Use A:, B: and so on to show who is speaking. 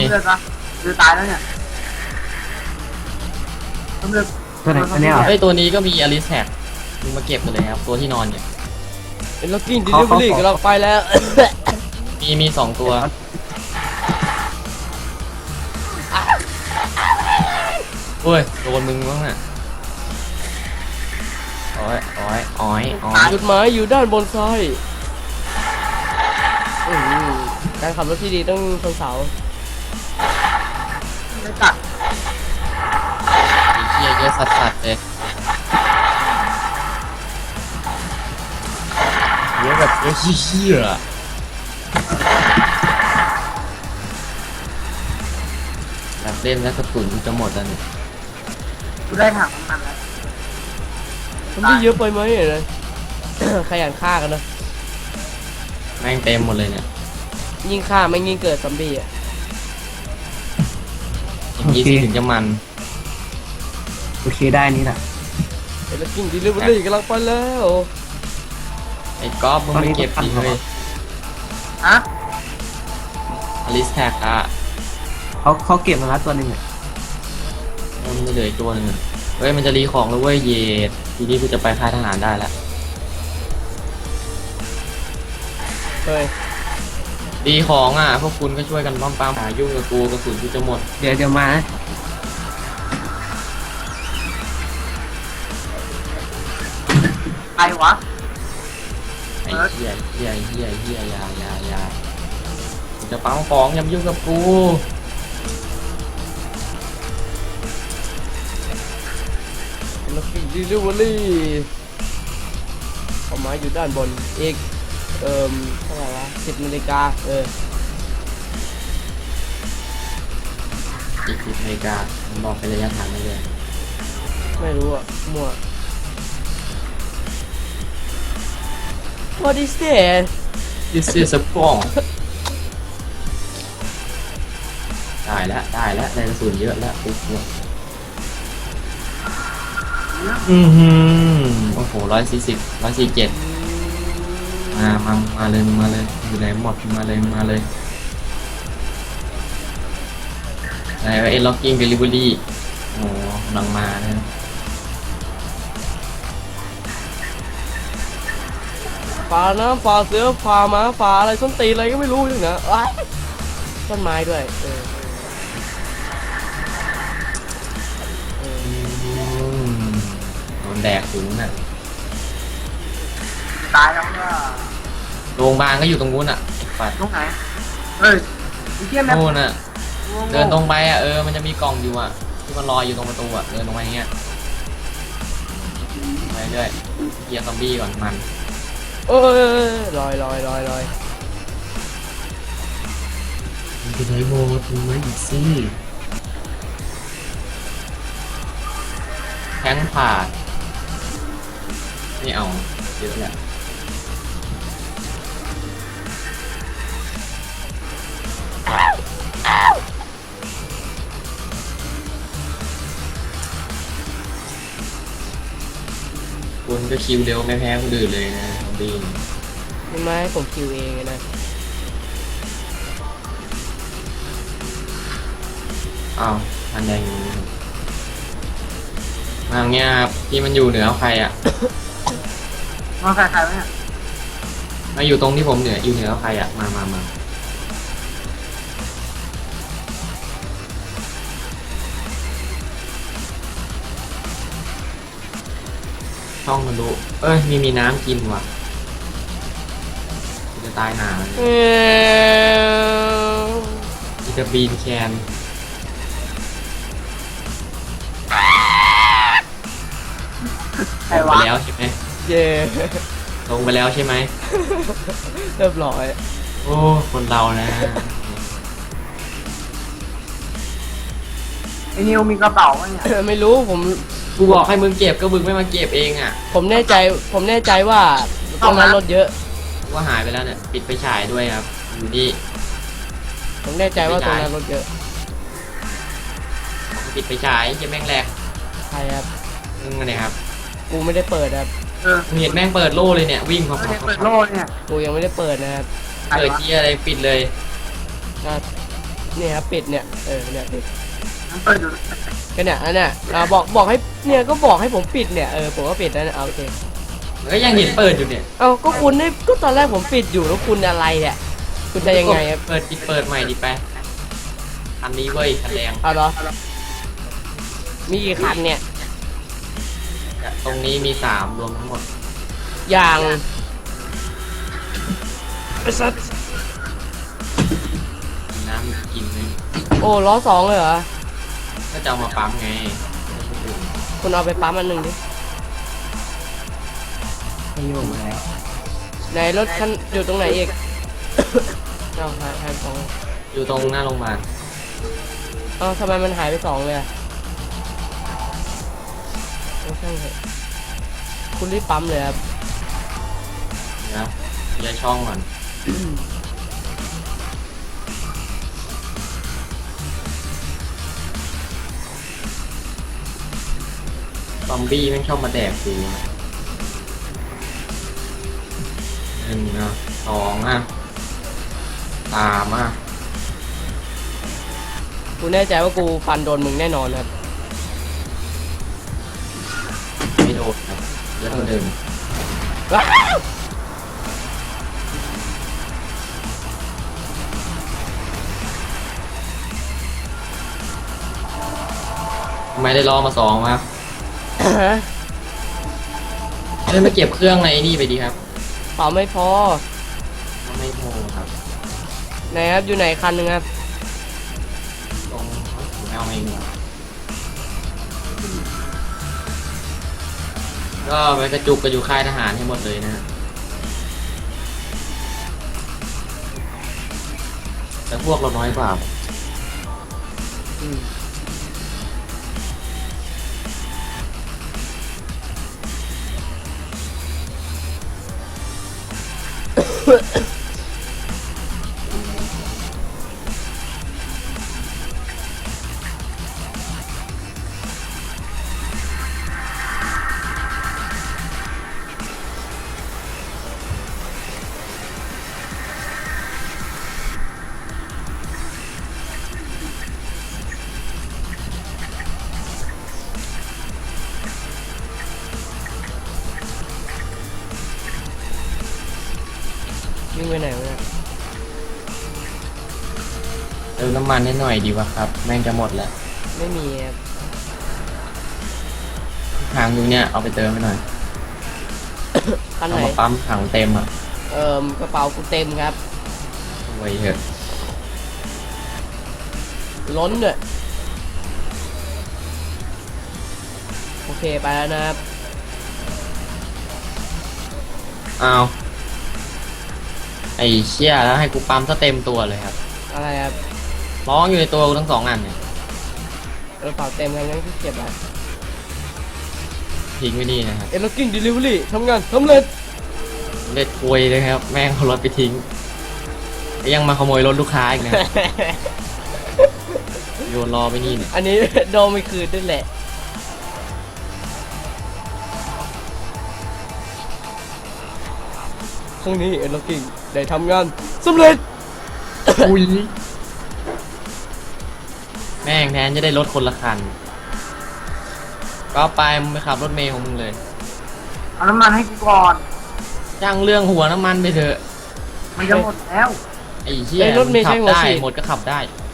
A: เลือดปะคือตายแล้วเนี่ยต้องเลือด
B: ตัวไหนตัวเนี้ยเหรอ
C: เฮ้ยตัวนี้ก็มีอลิสแท็กมึงมาเก็บกันเลยครับตัวที่นอนเนี่ย
D: เป็นล็อกกิ้งดิลิเวอรี่กับเราไปแล้ว
C: มี2 ตัวโอ้ยโดนมึงบ้างน่ะอ้อย
D: จุดหมายอยู่ด้านบนซ้ายการขับรถที่ดีต้องชนเสา
A: ไม่ตัด
C: ไอ้เหี้ยเยอะสัสๆเลยเยอะแบบเยอะเหี้ยๆอะแบบเล่นแล้วกระสุนจะหมดแล้วเนี่ย
A: กูได้ถังน้ำมันแล้ว
D: มันไม่เยอะไปไหมเลย ขยันฆ่ากันนะ
C: แม่งเต็มหมดเลยเนี่ย
D: ยิ่งฆ่าไม่ยิ่งเกิดซอมบี้อ่ะ
C: อย่างนี้สิถึงจะมัน
B: โอเคได้นี่แหละ
D: เป็นล็อกกิ้งดิลิเวอรี่กำลังไปแล้ว
C: ไอ้ก๊อฟมึงไปเก็บดิเลย
A: ฮะ
C: อลิสแท็กอะ
B: เขาเก็บมาแล้วตัวหนึ่งอ่ะ
C: มันจะเหลืออีกตัวหนึงอะเฮ้ยมันจะรีของแล้วเว้ยเยดทีนี้กูจะไปค่ายทหารได้แล้ว
D: เฮ้ย
C: รีของอ่ะพวกคุณก็ช่วยกันปั๊มหายุ่งกับกูกระสุนกูจะหมด
B: เดี๋ยวมานะ
A: ใครวะ
C: ไอ้เหี้ยยากูจะปั๊มของอย่ามายุ่งกับกู
D: เป็นล็อกกิ้งดิลิเวอรี่เอาไม้อยู่ด้านบนอีกเท่าไหร่วะ10 นาฬิกา
C: อีก10 นาฬิกามันบอกเป็นระยะทางไม่เลย
D: ไม่รู้อ่ะมั่ว What is that
C: This is a bomb ได้แล้วได้กระสุนเยอะแล้วปุ๊บโอ้โห147มาเลยอยู่ไหนหมดมาเลยไหนว่าเอ็นล็อกกิ้งเดลิเวอรี่โอ้กำลังมานะ
D: ป่าน้ำป่าเสือป่าหมาป่าอะไรส้นตีนอะไรก็ไม่รู้อย่างนะอ้ายต้นไม้ด้วย
C: โดนแดกถึงน่ะ
A: ตายแล้วเนี่ย
C: โรงพยาบาลก็อยู่ตรงนู้นอ่ะปัด
A: ตรงไหนเฮ้ยไอ้เหี้ยแม่
C: โน่นอ่ะเดินตรงไปอ่ะมันจะมีกล่องอยู่อ่ะที่มันลอยอยู่ตรงประตูอ่ะเดินตรงไปอย่างเงี้ยไปเรื่อยเคลียร์ซอมบี้ก่อนมัน
D: ลอย
C: มันจะไหนโมดมึงไม่อีกสิแทงผ่านี่เอาเยอะแหละคุณก็คิวเร็วไม่แพ้คนอื่นเลยนะซอมบี้
D: ไม่ไหมผมคิวเองนะ
C: อ้าวอันแดงมาอย่างเงี้ยครับที่มันอยู่เหนือใครอ่ะ
A: มาใครวะเนี่ย
C: มาอยู่ตรงที่ผมอยู่เหนือใครอ่ะมาช่องมันดูมีน้ำกินว่ะจะตายหาเลยจะบีนแคน
A: ใคร
C: ลง
A: วะ
C: ไปแล้วใช่ไหม
D: เย่
C: ลงไปแล้วใช่ไหม
D: เรียบร้อย
C: โอ้คนเรานะ
A: ไอ้นิวมีกระเป๋าวะเนี่ย
D: ไม่รู้ผม
C: กูบอกให้มึงเก็บก็มึงไม่มาเก็บเองอ่ะ
D: ผมแน่ใจว่าตรงนั้นรถเยอะ
C: กูว่าหายไปแล้วเนี่ยปิดไฟฉายด้วยครับอยู่นี่
D: ผมแน่ใจว่าตรงนั้นรถเยอะ
C: ปิดไฟฉายยังแม่งแหลก
D: ใครครับ
C: มึงเนี่ยครับ
D: กูไม่ได้เปิดครับ
C: มึงเห็นแม่งเปิดโล่เลยเนี่ยวิ่ง
A: ไม่
C: เข้า
A: ได้เปิดโล่เนี่ย
D: กูยังไม่ได้เปิดนะครับ
C: เปิดที่อะไรปิดเลย
D: ก็เนี่ยครับปิดเนี่ยเนี่ยปิด
A: มันเปิดอยู่
D: ก็เนี่ยอันเนี้ยบอกให้เนี่ยก็บอกให้ผมปิดเนี่ยผมก็ปิดแล้วเนี่ยเอาโอเค
C: มันก็ยังเห็นเปิดอยู่เนี่ย
D: เอาก็คุณให้ก็ตอนแรกผมปิดอยู่แล้วคุณอะไรเนี่ยคุณจะยังไงครับ
C: เปิดใหม่ดิไปอันนี้เว้ยคันแดง
D: เอาเหรอมีกี่คันเนี่ย
C: ตรงนี้มี3รวมทั้งหมด
D: อย่างไอ้สัส
C: น้ำกินนึง
D: โอ้ล้อ2เลยเหรอ
C: ก็จะเอามาปั๊มไง
D: คุณเอาไปปั๊มอันหนึ่งดิ
B: ไม่ยุ่งมาแล้ว
D: ไหนรถคันอยู่ตรงไหนอีก เอาหายไป2
C: อยู่ตรงหน้าโรงพยาบาล
D: เอาทำไมมันหายไป2เลยอะไม่ใช่เหรอคุณรีบปั๊มเลยครับ
C: นะย้ายช่องก่อนซอมบี้แม่งชอบมาแดกกู1 อ่ะ 2 อ่ะ 3 อ่ะ
D: กูแน่ใจว่ากูฟันโดนมึงแน่นอนครับ
C: ไม่โดนครับเยอะเท่าเดิม
D: ว้าว
C: ทำไมได้ล้อมา2ครับเล่นมาเก็บเครื่องในนี่ไปดีครับ
D: เปล่าไม่พอ
C: ไม่โมครับ
D: ไหนครับอยู่ไหนคันหนึ่งครับ
C: ตรงแมวเองก็ไปกระจุกกันอยู่ค่ายทหารให้หมดเลยนะฮะแต่พวกเราน้อยกว่า
D: อืม วิ่งไปไหนวะเนี่ย
C: เติมน้ำมันให้หน่อยดีวะครับ แม่งจะหมดแล้ว
D: ไม่มีครับ
C: ทางอยู่เนี่ยเอาไปเติมให้หน่อย
D: คันไห
C: เอา
D: น
C: มาปั๊มถังเต็มอ่ะ
D: กระเป๋ากูเต็มครับ
C: ไว้เถอะ
D: ล้นด้วยโอเคไปแล้วนะครับ
C: อ้าวไอ้เชี่ยแล้วให้กูปั๊มซะเต็มตัวเลยครับ
D: อะไรครับ
C: ร้องอยู่ในตัวกูทั้ง2 อันเนี่ย
D: กระเป๋าเต็มกันงั้นก็เก็บไว้
C: ทิ้งไว้นี่นะครับ
D: Locking Delivery ทำงานสำเร็จ
C: เล็ดคุยเลยครับ แม่งเอารถไปทิ้งแล้วยังมาขโมยรถลูกค้าอีกนะ โยนรอไปนี่เนี่ย
D: อันนี้ โดนไม่คืนด้วยแหละครั้งนี้Locking ได้ทำงานสำเร็จ
C: อุ้ยแม่งแทนจะได้รถคนละคัน ก็ไปมึงไปขับรถเมย์ของมึงเลย
A: เอาน้ำมันให้กูก่อน
C: จ้างเรื่องหัวน้ำมันไปเถอะ
A: มันจะหมดแล้ว
C: ไอ้เหี้ย
D: ไอ้รถเมย์
C: ขั
D: ใช้หัว
C: ได้
D: ฉีด
C: หมดก็ขับได้